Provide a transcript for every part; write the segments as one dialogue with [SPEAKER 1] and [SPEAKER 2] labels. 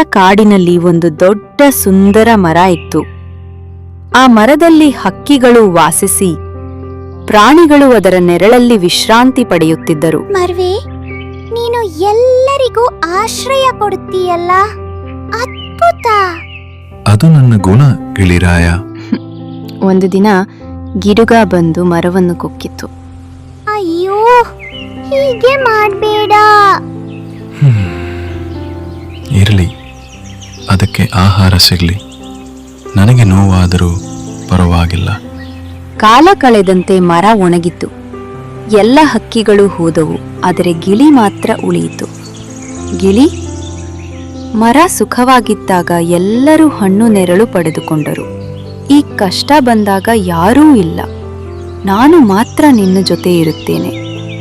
[SPEAKER 1] ಕಾಡಿನಲ್ಲಿ ಒಂದು ದೊಡ್ಡ ಸುಂದರ ಮರ ಇತ್ತು. ಆ ಮರದಲ್ಲಿ ಹಕ್ಕಿಗಳು ವಾಸಿಸಿ ಪ್ರಾಣಿಗಳು ಅದರ ನೆರಳಲ್ಲಿ ವಿಶ್ರಾಂತಿ ಪಡೆಯುತ್ತಿದ್ದರು.
[SPEAKER 2] ಮರ್ವೆ, ನೀನು ಎಲ್ಲರಿಗೂ ಆಶ್ರಯ ಕೊಡುತ್ತೀಯಲ್ಲ, ಅದ್ಭುತ.
[SPEAKER 3] ಅದು ನನ್ನ ಗುಣ, ಗಿಳಿರಾಯ.
[SPEAKER 1] ಒಂದು ದಿನ ಗಿಡುಗ ಬಂದು ಮರವನ್ನು ಕೊಕ್ಕಿತು.
[SPEAKER 2] ಅಯ್ಯೋ, ಹೀಗೆ ಮಾಡಬೇಡ.
[SPEAKER 3] ಇರಲಿ, ಅದಕ್ಕೆ ಆಹಾರ ಸಿಗಲಿ. ನನಗೆ ನೋವಾದರೂ ಪರವಾಗಿಲ್ಲ.
[SPEAKER 1] ಕಾಲ ಕಳೆದಂತೆ ಮರ ಒಣಗಿತು. ಎಲ್ಲ ಹಕ್ಕಿಗಳು ಹೋದವು, ಆದರೆ ಗಿಳಿ ಮಾತ್ರ ಉಳಿಯಿತು. ಗಿಳಿ, ಮರ ಸುಖವಾಗಿದ್ದಾಗ ಎಲ್ಲರೂ ಹಣ್ಣು ನೆರಳು ಪಡೆದುಕೊಂಡರು. ಈ ಕಷ್ಟ ಬಂದಾಗ ಯಾರೂ ಇಲ್ಲ, ನಾನು ಮಾತ್ರ ನಿನ್ನ ಜೊತೆ ಇರುತ್ತೇನೆ.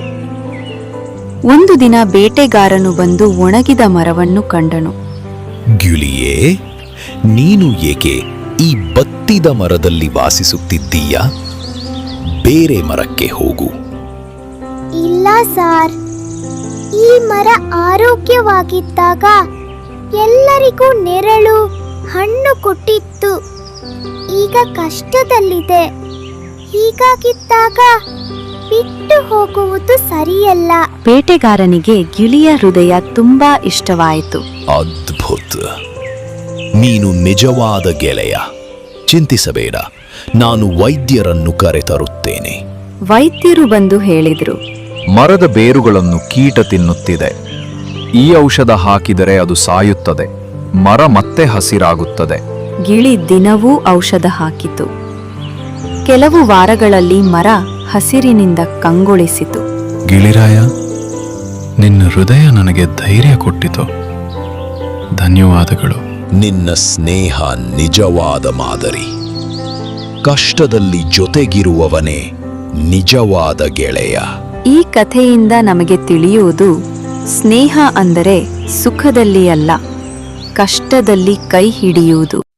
[SPEAKER 1] ಒಂದು ದಿನ ಬೇಟೆಗಾರನು ಬಂದು ಒಣಗಿದ ಮರವನ್ನು ಕಂಡನು.
[SPEAKER 4] ಗಿಳಿಯೇ, ನೀನು ಏಕೆ ಈ ಬತ್ತಿದ ಮರದಲ್ಲಿ ವಾಸಿಸುತ್ತಿದ್ದೀಯಾ? ಬೇರೆ ಮರಕ್ಕೆ ಹೋಗು.
[SPEAKER 2] ಇಲ್ಲ ಸಾರ್, ಈ ಮರ ಆರೋಗ್ಯವಾಗಿದ್ದಾಗ ಎಲ್ಲರಿಗೂ ನೆರಳು ಹಣ್ಣು ಕೊಟ್ಟಿತ್ತು. ಈಗ ಕಷ್ಟದಲ್ಲಿದೆ. ಹೀಗಾಗಿದ್ದಾಗ ಬಿಟ್ಟು ಹೋಗುವುದು ಸರಿಯಲ್ಲ.
[SPEAKER 1] ಬೇಟೆಗಾರನಿಗೆ ಗಿಳಿಯ ಹೃದಯ ತುಂಬಾ ಇಷ್ಟವಾಯಿತು.
[SPEAKER 4] ಅದ್ಭುತ, ನೀನು ನಿಜವಾದ ಗೆಳೆಯ. ಚಿಂತಿಸಬೇಡ, ನಾನು ವೈದ್ಯರನ್ನು ಕರೆತರುತ್ತೇನೆ.
[SPEAKER 1] ವೈದ್ಯರು ಬಂದು ಹೇಳಿದ್ರು,
[SPEAKER 5] ಮರದ ಬೇರುಗಳನ್ನು ಕೀಟ ತಿನ್ನುತ್ತಿದೆ. ಈ ಔಷಧ ಹಾಕಿದರೆ ಅದು ಸಾಯುತ್ತದೆ. ಮರ ಮತ್ತೆ ಹಸಿರಾಗುತ್ತದೆ.
[SPEAKER 1] ಗಿಳಿ ದಿನವೂ ಔಷಧ ಹಾಕಿತು. ಕೆಲವು ವಾರಗಳಲ್ಲಿ ಮರ ಹಸಿರಿನಿಂದ ಕಂಗೊಳಿಸಿತು.
[SPEAKER 3] ಗಿಳಿರಾಯ, ನಿನ್ನ ಹೃದಯ ನನಗೆ ಧೈರ್ಯ ಕೊಟ್ಟಿತು. ಧನ್ಯವಾದಗಳು.
[SPEAKER 4] ನಿನ್ನ ಸ್ನೇಹ ನಿಜವಾದ ಮಾದರಿ. ಕಷ್ಟದಲ್ಲಿ ಜೊತೆಗಿರುವವನೇ ನಿಜವಾದ ಗೆಳೆಯ.
[SPEAKER 1] ಈ ಕಥೆಯಿಂದ ನಮಗೆ ತಿಳಿಯುವುದು, ಸ್ನೇಹ ಅಂದರೆ ಸುಖದಲ್ಲಿ ಅಲ್ಲ, ಕಷ್ಟದಲ್ಲಿ ಕೈ ಹಿಡಿಯುವುದು.